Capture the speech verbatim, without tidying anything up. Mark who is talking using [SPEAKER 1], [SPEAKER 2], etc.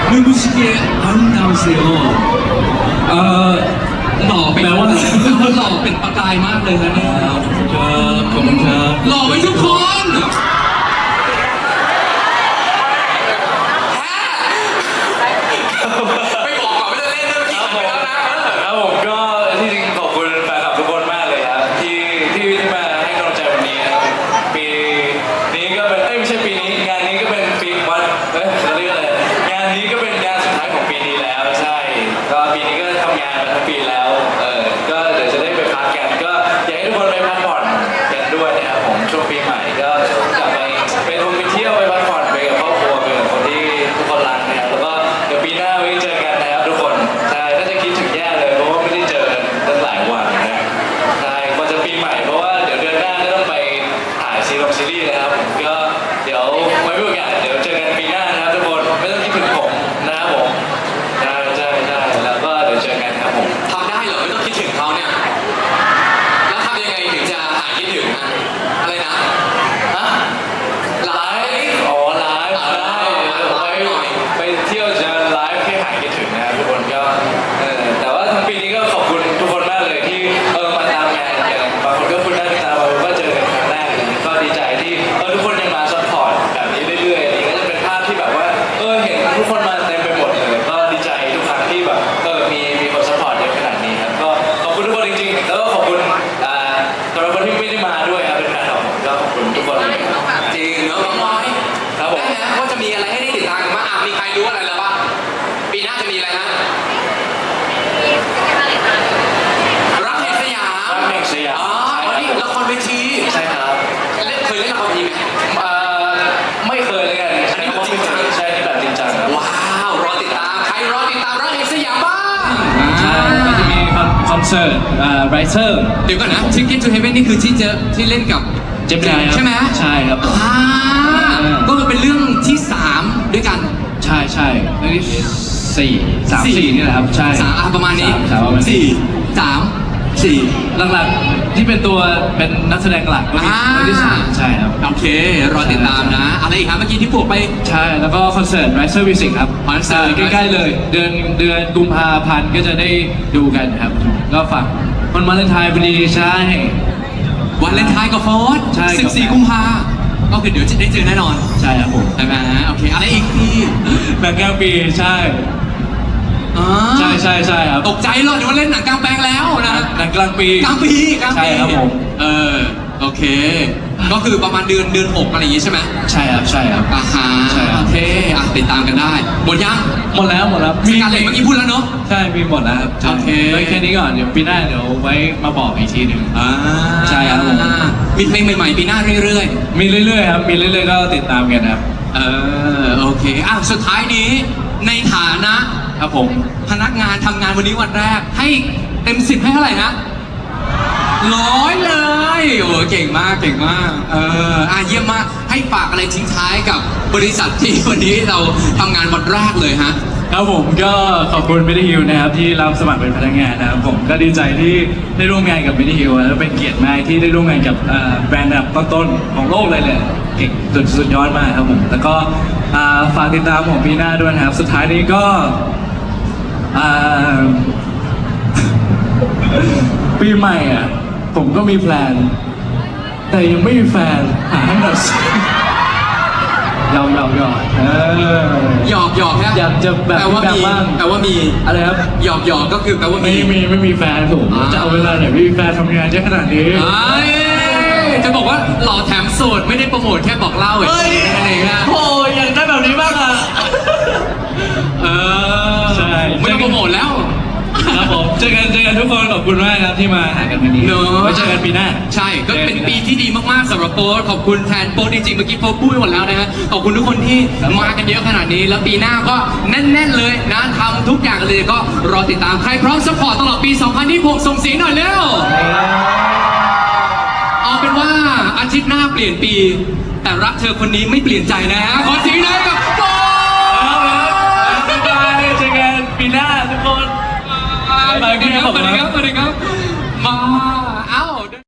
[SPEAKER 1] 눈부시게 아름다우세요. 어, หล่อเป็น
[SPEAKER 2] แปลว่า
[SPEAKER 1] หล่อเป็นประกายมากเลยนะเนี่ย
[SPEAKER 2] ครับขอบคุณครับ
[SPEAKER 1] หล่อไปทุกคน
[SPEAKER 3] ไม่บอกก่อนว่าจะเล่นด้วยเมื่อกี้ขัดไปแล้วนะ
[SPEAKER 2] ครับผมก็ที่จริงขอบคุณแฟนคลับทุกคนมากเลยครับที่ที่ที่มาให้กำลังใจวันนี้นะครับปีนี้ก็เป็นเอ้ยไม่ใช่ปีนี้งานนี้ก็เป็นปีวันเอ้ยจะเรียกอะไรงานนี้ก็เป็นงานสุดท้ายของปีนี้แล้วใช่ก็ปีนี้ก็ทำงานมาทั้งปีแล้วเออก็เดี๋ยวจะได้ไปพักกันก็อยากให้ทุกคนไปพักผ่อนกันด้วยนะครับผมช่วงปีใหม่ก็กลับไปไปท่องไปเที่ยวไปพักผ่อนไปกับครอบครัวไปกับคนที่ทุกคนรักนะครับแล้วก็เดี๋ยวปีหน้าไว้เจอกันนะครับทุกคนใช่น่าจะคิดถึงแย่เลยเพราะว่าไม่ได้เจอกันตั้งหลายวันนะใช่ก่อนจะปีใหม่เพราะว่าเดี๋ยวเดือนหน้าก็ต้องไปถ่ายซีรีส์ซีรีส์นะครับผมก็เดี๋ยวไว้มีโอกาสเดี๋ยวเจอกันปีหน้านะครับทุกคนไม่ต้องคิดถึงผมนะครับผมใช่ใช่ใช่แล้วก็เดี๋ยวเจอกันครับผม
[SPEAKER 3] ทำได้เหรอไม่ต้องคิดถึงเขาเนี่ย แล้วทำยังไงถึงจะหายคิดถึงนะอะไรนะ
[SPEAKER 2] ฮะไลฟ์อ๋อไลฟ์ได้ไว้ไปเที่ยวจะไลฟ์ให้หายคิดถึงนะครับทุกคนก็เออแต่ว่าทั้งปีนี้ก็ขอบคุณทุกคนมากเลยที่เออมาตามงานอย่างบางคนก็คุณหน้าคุณตาบางคนก็เจอกันครั้งแรกอะไรอย่างเงี้ยก็ดีใจที่เออทุกคนยังมาซัพพอร์ตแบบนี้เรื่อยๆอันนี้ก็จะเป็นภาพที่แบบว่าเออเห็นทุกคนมาเต็มไปหมดเลยก็ดีใจทุกครั้งที่แบบเออมีมีคนซัพพอร์ตเยอะขนาดนี้ครับก็ขอบคุณทุกคนจริงๆแล้วก็ขอบคุณอ่าสำหรับคนที่ไม่ได้มาด้วยครับเป็นแฟนคลับผมก็ขอบคุณทุกคนเลยครับ
[SPEAKER 3] จริงเนอะน้องน้อย
[SPEAKER 2] ครับผม
[SPEAKER 3] ได้นะว่าจะมีอะไรให้ได้ติดตามกันบ้างอ่ะมีใครรู้อะไรแล้วบ้างปีหน้าจะมีอะไรฮะรักแห่งสยาม
[SPEAKER 2] รักแห่งสยาม
[SPEAKER 3] อ๋ออันนี้ละครเวที
[SPEAKER 2] ใช่ครับ
[SPEAKER 3] เล่นเคยเล่นละครเวทีไหม
[SPEAKER 2] เอ่อไม่เคยเลยกัน
[SPEAKER 3] อันนี้แบบจริงจัง
[SPEAKER 2] ใช่ที่แบบจริงจังครับ
[SPEAKER 3] ว้าวรอติดตามใครรอติดตามรักแห่งสยามบ้าง
[SPEAKER 2] ใช่ก็จะมีคอนเสิร์ตอ่าไรเซอร์
[SPEAKER 3] เดี๋ยวก่อนนะ Ticket to Heaven นี่คือที่เจอที่เล่นกับ
[SPEAKER 2] เจมินายครับ
[SPEAKER 3] ใช่ไหม
[SPEAKER 2] ใช่ครับ
[SPEAKER 3] อ่าก็คือเป็นเรื่องที่สามด้วยกัน
[SPEAKER 2] ใช่ใช่เรื่องที่สี่สามสี่นี่แหละครับใช่
[SPEAKER 3] สามอ่ะประมาณนี้
[SPEAKER 2] สามสามประมาณนี้
[SPEAKER 3] สี่สามสี่
[SPEAKER 2] หลักๆที่เป็นตัวเป็นนักแสดงหลักก็มี
[SPEAKER 3] อ่า
[SPEAKER 2] เรื่องที่สามใช่ครับ
[SPEAKER 3] โอเค รอติดตามนะ อะไรอีกครับเมื่อกี้ที่พูดไป
[SPEAKER 2] ใช่แล้วก็คอนเสิร์ต Riser Music ครับ
[SPEAKER 3] คอนเสิร์ต
[SPEAKER 2] ใกล้ๆเลย เดือนเดือนกุมภาพันธ์ก็จะได้ดูกันครับก็ฝากมันวาเลนไทน์พอดีใช่
[SPEAKER 3] วันเลนไทน์กับโฟร์
[SPEAKER 2] ใช่ครับ
[SPEAKER 3] สิบสี่กุมภาก็คือเดี๋ยวจะได้เจอแน่นอน
[SPEAKER 2] ใช่ครับผม
[SPEAKER 3] ใช่ไหมโอเค อะไรอีกพี่
[SPEAKER 2] หนังกลางปีใช่
[SPEAKER 3] อ่า
[SPEAKER 2] ใช่ใช่ใช่ครับ
[SPEAKER 3] ตกใจเลยเดี๋ยวว่าเล่นหนังกลางแปลงแล้วนะ
[SPEAKER 2] หนังกลางปี
[SPEAKER 3] กลางปีกลางปี
[SPEAKER 2] ใช่ครับผม
[SPEAKER 3] เออ โอเค ก็คือประมาณเดือนเดือนหกอะไรอย่างงี้ใช่ไหม
[SPEAKER 2] ใช่ครับใช่ครับ
[SPEAKER 3] อ่าฮะ
[SPEAKER 2] ใช่ครับ
[SPEAKER 3] โอเคอ่ะติดตามกันได้ หมดยัง
[SPEAKER 2] หมดแล้วหมดแล้ว
[SPEAKER 3] สการเล็ตเมื่อกี้พูดแล้วเนาะ
[SPEAKER 2] ใช่มีหมดแล้วครับ
[SPEAKER 3] โอเค
[SPEAKER 2] ไว้แค่นี้ก่อนเดี๋ยวปีหน้าเดี๋ยวไว้มาบอกอีกทีหนึ่ง
[SPEAKER 3] อ่า
[SPEAKER 2] ใช่ครับผม
[SPEAKER 3] มีเพลงใหม่ๆปีหน้าเรื่อย
[SPEAKER 2] มีเรื่อยๆครับมีเรื่อยๆก็ติดตามกันครับ
[SPEAKER 3] ๆ เออ โอเค อ่ะ สุดท้ายนี้ ในฐานะครับ
[SPEAKER 2] ผม
[SPEAKER 3] พนักงานทำงานวันนี้วันแรก ให้เต็มสิบให้เท่าไหร่นะร้อยเลย โอ้เก่งมากเก่งมาก เออ อ่ะเยี่ยมมาก ให้ฝากอะไรทิ้งท้ายกับบริษัทที่วันนี้เราทำงานวันแรกเลยฮะ
[SPEAKER 2] ครับผมก็ขอบคุณมินิฮิลนะครับที่รับสมัครเป็นพนักงานนะครับผมก็ดีใจที่ได้ร่วมงานกับมินิฮิลแล้วเป็นเกียรติมากที่ได้ร่วมงานกับเอ่อแบรนด์ระดับต้นๆของโลกเลยแหละเก่งสุดสุดยอดมากครับผมแล้วก็อ่าฝากติดตามผมปีหน้าด้วยนะครับสุดท้ายนี้ก็อ่า ปีใหม่อ่ะผมก็มีแพลน แต่ยังไม่มีแฟนหาให้หน่อยสิยอมยอมยอมเออ
[SPEAKER 3] หยอกหยอกฮะ
[SPEAKER 2] อยากจะแบบ
[SPEAKER 3] แปลว่า
[SPEAKER 2] แบบ
[SPEAKER 3] มี
[SPEAKER 2] บ้าง
[SPEAKER 3] แปลว่ามี
[SPEAKER 2] อะไรครับ
[SPEAKER 3] หยอกหยอกก็คือแปลว่า
[SPEAKER 2] ไม่
[SPEAKER 3] มี
[SPEAKER 2] มีไม่มีแฟนผม
[SPEAKER 3] อ่า
[SPEAKER 2] จะเอาเวลาไหนไม่มีแฟนทำงานเยอะขนาดนี้
[SPEAKER 3] เอ้ยจะบอกว่าหล่อแถมโสดไม่ได้โปรโมทแค่บอกเล่า
[SPEAKER 2] เฮ้ย
[SPEAKER 3] อะไรอย่างเงี้ย
[SPEAKER 2] โอ้ยอยากได้แบบนี้บ้างอ่ะ
[SPEAKER 3] เออ
[SPEAKER 2] ใช่
[SPEAKER 3] ไม่ต้องโปรโมทแล้ว
[SPEAKER 2] ครับผมเจอกันเจอกันทุกคนขอบคุณมากครับที่มาหากันวันนี้
[SPEAKER 3] เนอะ
[SPEAKER 2] ไว้เจอกันปีหน้า
[SPEAKER 3] ใช่ก็เป็นปีที่ดีมากๆสำหรับโป๊ตขอบคุณแทนโป๊ตจริงๆเมื่อกี้โป๊ตพูดไปหมดแล้วนะฮะขอบคุณทุกคนที่มากันเยอะขนาดนี้ แล้วปีหน้าก็แน่นๆเลยนะทำทุกอย่างเลยก็รอติดตามใครพร้อมสปอร์ตตลอดปี สองพันยี่สิบหก ส่งเสียงหน่อยเร็ว เอาเป็นว่าอาทิตย์หน้าเปลี่ยนปี แต่รักเธอคนนี้ไม่เปลี่ยนใจนะฮะขอเสียงหน่อยกับโป๊ต
[SPEAKER 2] บ๊ายบายเจอกันปีหน้าทุกคน
[SPEAKER 3] สวัสดีครับสวัสดีครับสวัสดีครับมา